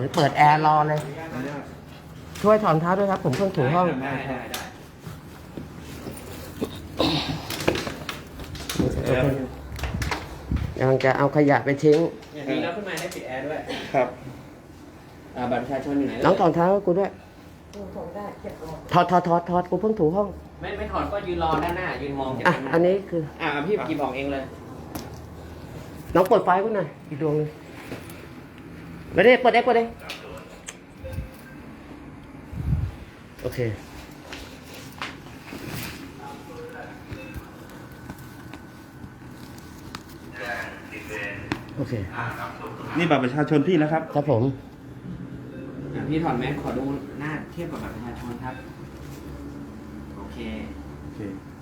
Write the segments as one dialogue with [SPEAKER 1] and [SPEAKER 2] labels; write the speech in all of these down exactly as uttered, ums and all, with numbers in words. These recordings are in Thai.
[SPEAKER 1] เปิดแอร์รอเลย ช่วยถอนเท้าด้วยครับผมเพิ่งถูห้อง
[SPEAKER 2] ได้ได้ได้
[SPEAKER 1] ยังจะเอาขยะไปทิ้ง
[SPEAKER 2] อย่างนี้แล้วขึ้นมาได้ปิดแอร์ด้วย
[SPEAKER 3] ครับ
[SPEAKER 2] อ่าบัตรประชาชนอยู่ไหน
[SPEAKER 1] น้องถอนเท้าให้กูด้วยถอดถอดถอดถอดกูเพิ่งถูห้อง
[SPEAKER 2] ไม่ไม่ถอดก็ยืนรอด้านหน้ายืนมอง
[SPEAKER 1] อ่ะอันนี้คือ
[SPEAKER 2] อ่าพี่กีบอกเองเลย
[SPEAKER 1] น้องเปิดไฟกูหน่อยอีกดวงนึงไม่ได้เปิดได้เปิดได้โอเคโอเค
[SPEAKER 3] นี่บัตรประชาชนพี่นะครับ
[SPEAKER 1] ครับผม
[SPEAKER 2] อ่ะพี่ถอดแมสขอดูหน้าเทียบกับบัตรประชาชนครับโอเค
[SPEAKER 3] โอเค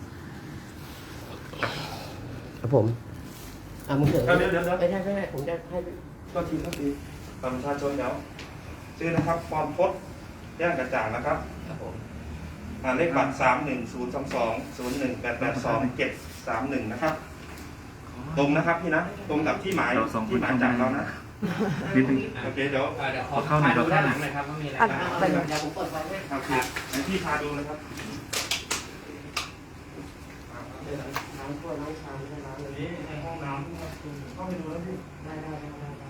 [SPEAKER 1] ครับผมอ่ะมึงเถอะ
[SPEAKER 3] เดี๋ยวเดี๋ยวเดี๋ยว
[SPEAKER 1] ไม่ใช่ไม่ใช่ผมจะให้
[SPEAKER 3] ก็ทีก็ทีบัตรประชาชนเดี๋ยวชื่อนะครับฟอร์มพจน์ย่างกระจ่างนะครับ
[SPEAKER 2] ครับผม
[SPEAKER 3] อ่าเลขบัตรสามหนึ่งศูนย์สองสองศูนย์หนึ่งแปดแปดสองเจ็ดสามหนึ่งนะครับ ตรงนะครับพี่นะ ตรงกับที่หมายที่หมายจากเรานะโอเคเดี๋ยว
[SPEAKER 2] อ่าเดี๋ยวขอเข้าดูด้านหลังหน่อยครับว่ามีอะไร
[SPEAKER 1] อ่ะ
[SPEAKER 2] บ้าง
[SPEAKER 1] ไปเดี๋ยวผมเปิดไฟให้
[SPEAKER 3] ครับครับให้พี่พาดูนะครับ
[SPEAKER 1] น้ำถ้วยน้ำชามไม่ใช่น้ำเลย
[SPEAKER 3] นี่ในห้องน้ำเข้าไปดูแล้วพี่
[SPEAKER 1] ได้ได้ได้ได้ได้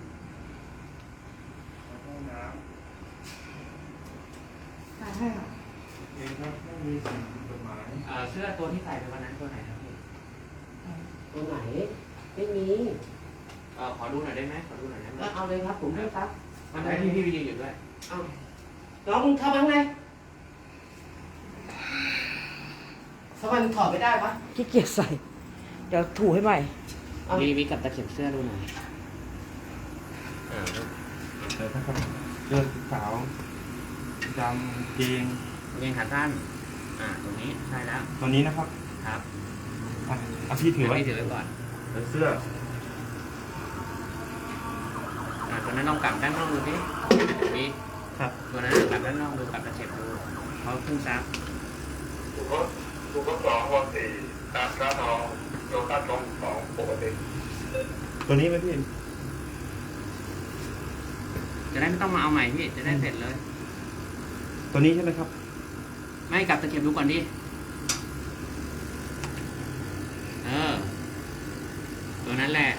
[SPEAKER 3] ห้องน้ำ
[SPEAKER 1] ได้ให้หรอ
[SPEAKER 3] เองครับไม่มีสิ่งผิดกฎหมาย
[SPEAKER 2] อ่าเสื้อตัวที่ใส่ในวันนั้นตัวไหนครับพี่
[SPEAKER 1] ตัวไหนไม่มี
[SPEAKER 2] เอ่อขอดูหน่อยได้ไหมขอดูหน่อยได้ไหม
[SPEAKER 1] ก็เอาเลยครับผมให้ครับ
[SPEAKER 2] มันให้พี่พี่ไปยืนอยู่ด้วย
[SPEAKER 1] เอาน้องมึงทำยังไงทำไมมึงถอดไม่ได้วะ
[SPEAKER 4] ขี้เกียจใส่ เดี๋ยวถูให้ใหม่
[SPEAKER 1] เอา
[SPEAKER 2] มีมีกับตะเข็บเสื้อดูหน่อยอ่า
[SPEAKER 3] เดี๋ยวนะครับเสื้อสีขาวดำเกง
[SPEAKER 2] เกงขาสั้นอ่าตรงนี้ใช่แล้ว
[SPEAKER 3] ตัวนี้นะครับ
[SPEAKER 2] ครับ
[SPEAKER 3] อ่ะเอาพี่ถือไว้
[SPEAKER 2] พี่ถือไว้ก่อน
[SPEAKER 3] เป็นเสื้อ
[SPEAKER 2] อ่าตัวนั้นลองกลับด้านนอกดูสิมี
[SPEAKER 3] ครับ
[SPEAKER 2] ตัวนั้นกลับด้านนอกดูกลับตะเข็บดูเขาขึ้นซับ
[SPEAKER 5] ถูกก็ถูกก็สองวันสี่ตามค่าทองโลค่าทองสองปกติ
[SPEAKER 3] ตัวนี้ไหมพี่
[SPEAKER 2] จะได้ไม่ต้องมาเอาใหม่พี่จะได้เสร็จเลย
[SPEAKER 3] ตัวนี้ใช่ไหมครับ
[SPEAKER 2] ไม่กลับตะเข็บดูก่อนดิเออตัวนั้นแหละ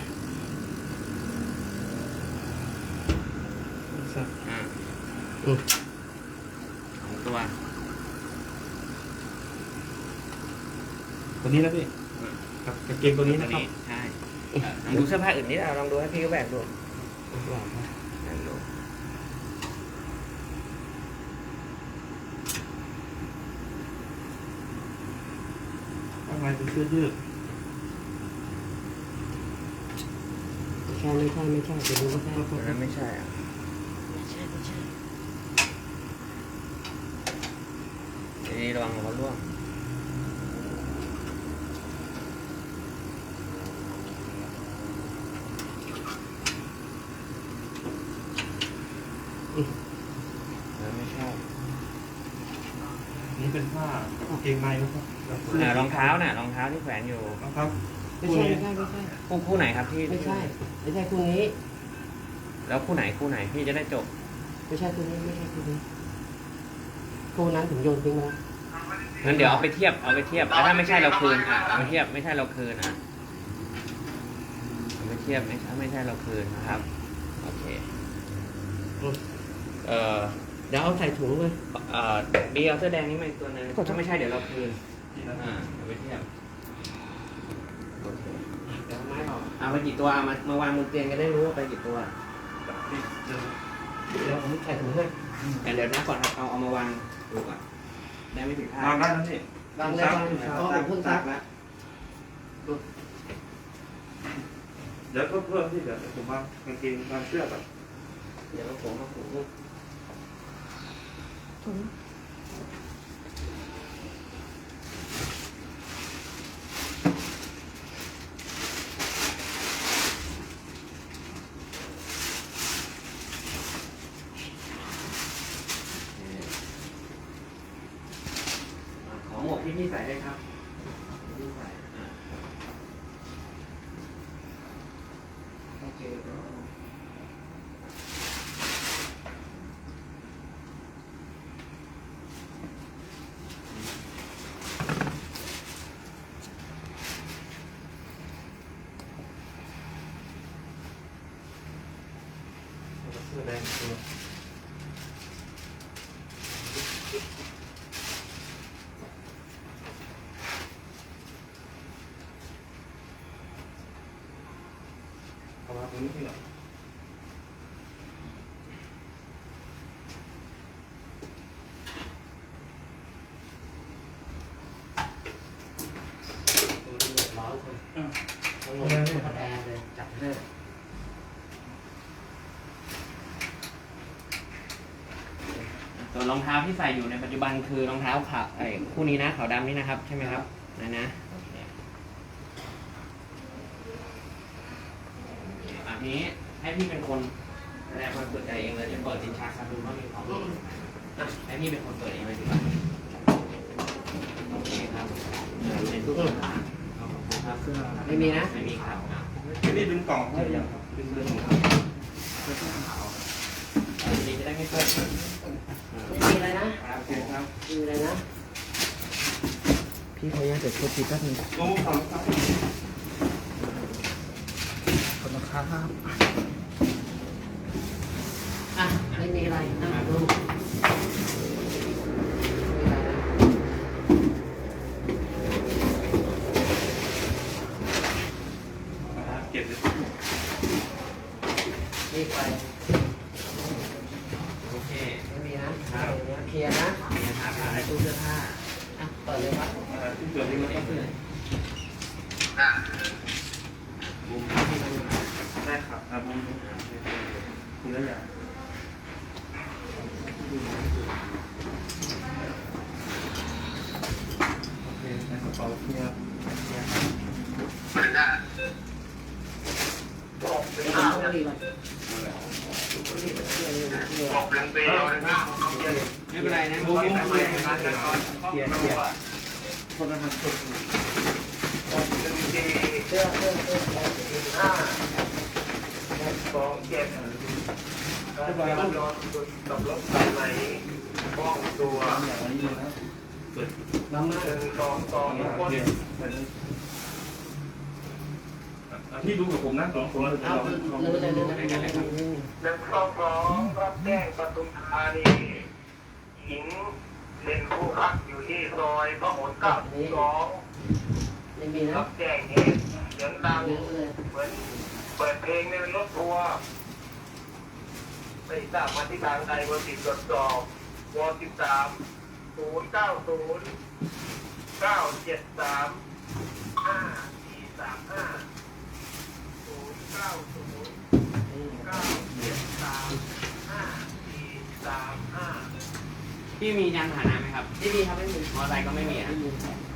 [SPEAKER 2] อ่า
[SPEAKER 1] อืม
[SPEAKER 2] สองตัว
[SPEAKER 3] ตัวนี้นะพี่ครับกางเกงตัวนี้นะครับ
[SPEAKER 2] ใช่เอ่อลองดูเสื้อผ้าอื่นนิดเอาลองดูให้พี่เขาแบกดูแบกดู
[SPEAKER 3] ข้างในเป็นเสื้อยืด
[SPEAKER 1] ไม่ใช่ไม่ใช่ไม่ใช่เดี๋ยวดูไม่ใช่
[SPEAKER 2] ตัวนั้นไม่ใช่อ่ะ
[SPEAKER 1] ไม่ใช่ไม่ใช่
[SPEAKER 2] นี่ระวังเขาล่วง แล้วไม่ใช่
[SPEAKER 3] นี่เป็นผ้ากางเกงในนะครับ
[SPEAKER 2] อ่ารองเท้าน่ะรองเท้าที่แขวนอยู่
[SPEAKER 3] นะครับ
[SPEAKER 1] ไม่ใช่ไม่ใช่ไม่ใช่
[SPEAKER 2] คู่คู่ไหนครับพี่
[SPEAKER 1] ไม่ใช่ไม่ใช่คู่นี้
[SPEAKER 2] แล้วคู่ไหนคู่ไหนพี่จะได้จบ
[SPEAKER 1] ไม่ใช่คู่นี้ไม่ใช่คู่นี้คู่นั้นถึงโยนทิ้งไปแล้ว
[SPEAKER 2] งั้นเดี๋ยวเอาไปเทียบเอาไปเทียบแล้วถ้าไม่ใช่เราคืนอ่ะเอาไปเทียบไม่ใช่เราคืนอ่ะเอาไปเทียบไม่ถ้าไม่ใช่เราคืนนะครับโอเค
[SPEAKER 1] อืม
[SPEAKER 2] เอ่อ
[SPEAKER 1] เดี๋ยวเอาใส่ถุงเลย
[SPEAKER 2] เอ่อบีเอาเสื้อแดงนี้มาอีกตัวหนึงถ้าไม่ใช่เดี๋ยวเราคืนอ่าเอาไปเทียบโอเค
[SPEAKER 1] เดี๋ยวเอาไม้ออก
[SPEAKER 2] เอาไปกี่ตัวเอามามาวางบนเตียงจะได้รู้ว่าไปกี่ตัว
[SPEAKER 1] เดี๋ยวผมใส่ถุงให้
[SPEAKER 2] แต่เดี๋ยวนะก่อนครับเอาเอามาวางดูก่อนได้ไม่ผิดพลาด
[SPEAKER 3] วางได้แล้วพี่
[SPEAKER 1] วางเลยวางเพราะผมเพิ่งซัก
[SPEAKER 2] แล้ว
[SPEAKER 3] เดี๋ยวเพิ่มเพิ่มที่เดี๋ยวผมวางกางเกงวางเสื้อแบบ
[SPEAKER 2] เดี๋ยวเราผมมาผูก
[SPEAKER 4] ถุง
[SPEAKER 2] ขอหมวกที่พี่ใส่ได้ครับพี่ใส่อ่ะโอเค
[SPEAKER 3] เอามาตรงนี้พี่หน่อย
[SPEAKER 2] ส่วนรองเท้าที่ใส่อยู่ในปัจจุบันคือรองเท้าขาวไอ้คู่นี้นะขาวดำนี่นะครับใช่ไหมครับนะนะโอเคอันนี้ให้พี่เป็นคนแสดงความเปิดใจเองเลยจะเปิดสินค้าครับดูว่ามีของอ่ะให้พี่เป็นคนเปิดเองเลยดีกว่าโอเคครับในตู้ขอบคุณครับไม่มีนะไม่มีครับ
[SPEAKER 3] พี่ดึงกล่องให้ยังครับดึงเรื่องของครับ
[SPEAKER 2] ดีจะได้ไม่เปิด
[SPEAKER 1] ไม่มีอะไรนะครับ
[SPEAKER 3] โอเคครับ
[SPEAKER 1] ไม่มีอะไรนะพี่ขออนุญาตเดี๋ยวโทษทีแป๊บนึง
[SPEAKER 3] ลงก่อนครับ
[SPEAKER 1] ขอบคุณครับอ่ะไม่มีอะไรนะดูไม่มีอะไรนะ
[SPEAKER 3] เก็บเลย
[SPEAKER 1] รีบไป
[SPEAKER 2] โอเค
[SPEAKER 1] ไม่มีนะเคลียร์นะ
[SPEAKER 2] นี่นะครับ
[SPEAKER 1] ในตู้เสื้อผ้าอ่ะเปิดเลยครับ
[SPEAKER 3] อ่าที่เกิดที่มันก็คือได้ครับอ่าบุ้มทีละอย่างโอเคในกระเป๋าเคลียร์เคลียร์ครับ
[SPEAKER 1] อ่าต้องรีบไป
[SPEAKER 5] บอกเป็นปีเลยนะ
[SPEAKER 2] ไม่เป็นไรนะ
[SPEAKER 3] บุ้ม
[SPEAKER 2] ไม่
[SPEAKER 3] บุ้ม
[SPEAKER 2] เป็น
[SPEAKER 3] เค
[SPEAKER 2] ไร
[SPEAKER 3] ลียร์เคลียร์เคลียร์คนละหันสุด
[SPEAKER 5] เป็นปี
[SPEAKER 1] เสื้อเสื้อเสื้ออ่า
[SPEAKER 5] สองเจ็ดการนอนกับรถสายไหนป้องตัว
[SPEAKER 3] อย่างนี้เลยนะเปิด
[SPEAKER 1] น้ำมา
[SPEAKER 5] หนึ่งสองสอง
[SPEAKER 3] เนี่ย
[SPEAKER 5] คน
[SPEAKER 3] เนี่ยพี่ดูกับผมนะสองคนเลย
[SPEAKER 1] เอาเลยเลยเลยเลยเลย
[SPEAKER 5] หนึ่งสองสองรับแจ้งปทุมธานีหญิงเป็นผู้พักอยู่ที่ซอยพระหลเก้าสอง
[SPEAKER 1] ไม่มีนะ
[SPEAKER 5] รับแจ้งเหตุเสียงดัง
[SPEAKER 1] เยอะเลย
[SPEAKER 5] เหมือนเปิดเพลงในรถทัวร์ไม่ทราบมาที่ทางใดวติดตรวจสอบวสิบสามศูนย์เก้าศูนย์เก้าเจ็ดสามห้าสี่สามห้าศูนย์เก้าศูนย์เก้าเจ็ดสามห้าสี่สามห้า
[SPEAKER 2] พี่มียานพาหนะไหมครับ
[SPEAKER 1] ไม่มีครับไม่มี
[SPEAKER 2] มอเตอร์ไซค์ก็ไม่มีนะ
[SPEAKER 1] ไม่มี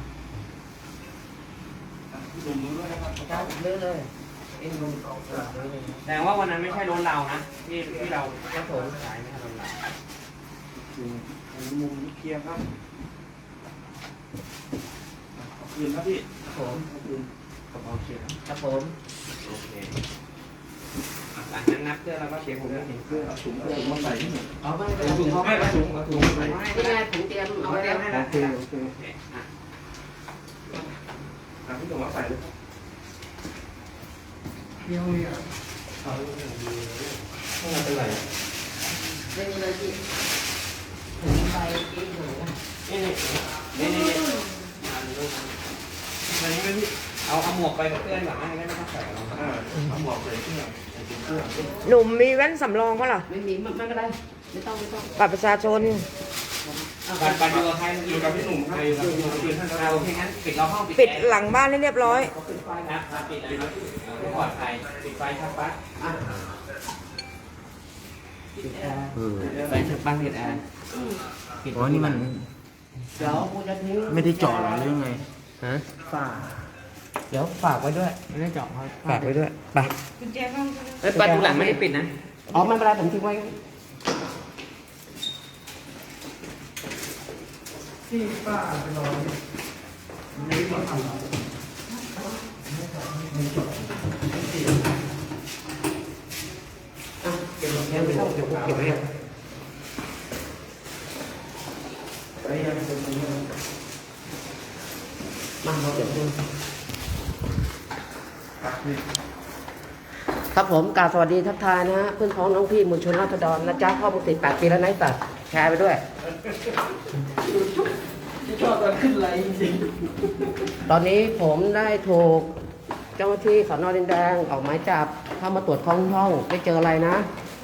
[SPEAKER 3] ดูมือด้วยนะครับ
[SPEAKER 1] จ้าเยอะเลยเอ็นลงตรงกลางเลย
[SPEAKER 2] แสดงว่าวันนั้นไม่ใช่รถเรานะที่ที่เรา
[SPEAKER 1] ครับผม
[SPEAKER 2] ขายไม่ใช่รถเรา
[SPEAKER 3] อันนี้มุมเคลียร์ครับเอาคืนครับพี่
[SPEAKER 1] ครับผม
[SPEAKER 3] เอาคืนกระเป๋าเคลียร์ครับ
[SPEAKER 1] ครับผม
[SPEAKER 2] โอเคหลังนั้นนับเพื่อเราก็เช็คผมด้วย
[SPEAKER 3] เพื่อเอาถุงเอาถุงมาใส่ที่หนึ่ง
[SPEAKER 1] เอาไม่
[SPEAKER 2] เอาถุงเขา
[SPEAKER 3] ไม่เอาถุงเอาถุงมาใส่
[SPEAKER 1] นี่ไงถุงเตรียมเอา
[SPEAKER 2] เอา
[SPEAKER 1] ไว้
[SPEAKER 2] เตรียมให้
[SPEAKER 3] โอ
[SPEAKER 2] แล้ว
[SPEAKER 3] เคโอเค
[SPEAKER 2] โอเคอ่ะ
[SPEAKER 3] อ่ะพี่ถุงมาใส่เลยครับ
[SPEAKER 1] เอา
[SPEAKER 3] ไม่เป็นไร
[SPEAKER 1] ไม่มีเลยพี่ถุงใบกินหนูนะ
[SPEAKER 2] นี่นี่นี่นี่นี่เอาลูก
[SPEAKER 3] อันนี้ไม่พี่
[SPEAKER 2] เอาเอาหมวกไปกับเพื่อนก่อนนะไม่ต้องใส่รองเท้า
[SPEAKER 3] อ่าเอาหมวกใส่เครื่องใส่ถุงเครื่อง
[SPEAKER 4] หนุ่มมีแว่นสำรองปะล่ะ
[SPEAKER 1] ไม่มีไม่ไม่เป็นไรไม่ต้องไม่ต้อง
[SPEAKER 4] บัตรประชาชน
[SPEAKER 2] ปันปันอยู่กับใคร
[SPEAKER 3] อยู่กับพี่หนุ่มครับอยู่กับพี่ท่าน
[SPEAKER 2] เราโอเคงั้นปิดเราห้องปิด
[SPEAKER 4] ปิดหลังบ้านให้เรียบร้อย
[SPEAKER 2] นะครับปิดเลยครับเพื่อปลอดภัยปิดไฟชักปลั๊ก
[SPEAKER 1] อ่ะ
[SPEAKER 2] ไฟชักปลั๊กปิดแอร์ปิด
[SPEAKER 6] อ๋อนี่มัน
[SPEAKER 1] เดี๋ยวกูจะทิ้ง
[SPEAKER 6] ไม่ได้เจาะหรอหรือไง
[SPEAKER 2] ฮะ
[SPEAKER 1] ฝา
[SPEAKER 2] เดี๋ยวฝากไว้ด้วยไม่ได้เจาะครับ
[SPEAKER 4] ฝากไว้ด้วย ไป
[SPEAKER 2] เอ้ยประตูหลังไม่ได้ปิดนะ
[SPEAKER 1] อ๋อไม่เป็นไรผมทิ้งไว้ อ่ะเก็บแค่ไม่ต้องเดี๋ยวผมเก็บไว้มาเราเก็บดู
[SPEAKER 3] ครับพี่
[SPEAKER 1] ครับผมกราบสวัสดีทักทายนะฮะเพื่อนพ้องน้องพี่มวลชนราษฎรนะจ๊ะพ่อมึงติดแปดปีแล้วนะไอ้สัตว์แชร์ไปด้วยที่ชอบตอนขึ้นไลน์จริงตอนนี้ผมได้ถูกเจ้าหน้าที่สน.ดินแดงออกหมายจับเข้ามาตรวจค้นห้องไม่เจออะไรนะ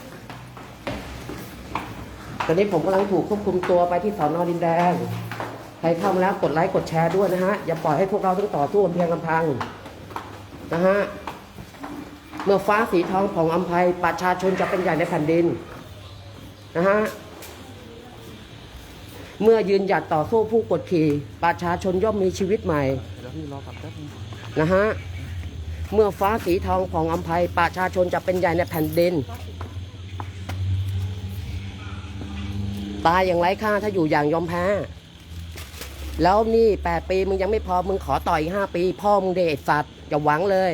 [SPEAKER 1] ตอนนี้ผมกำลังถูกควบคุมตัวไปที่สน.ดินแดงใครเข้ามาแล้วกดไลค์กดแชร์ด้วยนะฮะอย่าปล่อยให้พวกเราต้องต่อสู้กันเพียงลำพังนะฮะเมื่อฟ้าสีทองของอำไพประชาชนจะเป็นใหญ่ในแผ่นดินนะฮะเมื่อยืนหยัดต่อสู้ผู้กดขี่ประชาชนย่อมมีชีวิตใหม่นะฮะเมื่อฟ้าสีทองของอำไพประชาชนจะเป็นใหญ่ในแผ่นดินตายอย่างไร้ค่าถ้าอยู่อย่างยอมแพ้แล้วนี่แปดปีมึงยังไม่พอมึงขอต่ออีกห้าปีพ่อมึงเดชสัตว์อย่าหวังเลย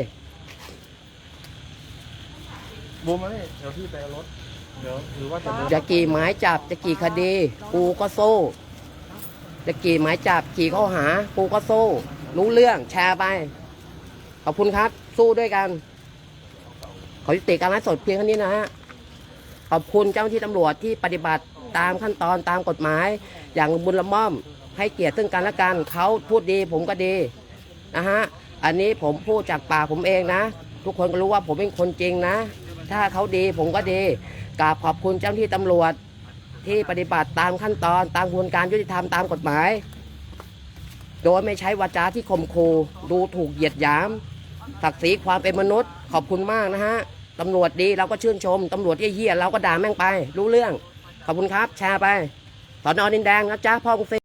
[SPEAKER 6] บูมมาเนี่ยเดี๋ยวพี่ไปเอารถเดี๋ยวหรือว่าจะ
[SPEAKER 1] จะกี่หมายจับจะกี่คดีกูก็สู้จะกี่หมายจับกี่ข้อหากูก็สู้รู้เรื่องแชร์ไปขอบคุณครับสู้ด้วยกันขอยุติการไลฟ์สดเพียงเท่านี้นะฮะขอบคุณเจ้าหน้าที่ตำรวจที่ปฏิบัติตามขั้นตอนตามกฎหมายอย่างบุญละม่อมให้เกียรติซึ่งกันและกันเขาพูดดีผมก็ดีนะฮะอันนี้ผมพูดจากปากผมเองนะทุกคนก็รู้ว่าผมเป็นคนจริงนะถ้าเขาดีผมก็ดีกราบขอบคุณเจ้าหน้าที่ตำรวจที่ปฏิบัติตามขั้นตอนตามกระบวนการยุติธรรมตามกฎหมายโดยไม่ใช้วาจาที่ข่มขู่ดูถูกเหยียดหยามศักดิ์ศรีความเป็นมนุษย์ขอบคุณมากนะฮะตำรวจดีเราก็ชื่นชมตำรวจเหี้ยๆเราก็ด่าแม่งไปรู้เรื่องขอบคุณครับแชร์ไปสน.ดินแดงนะจ๊ะพ่อกรุงศรี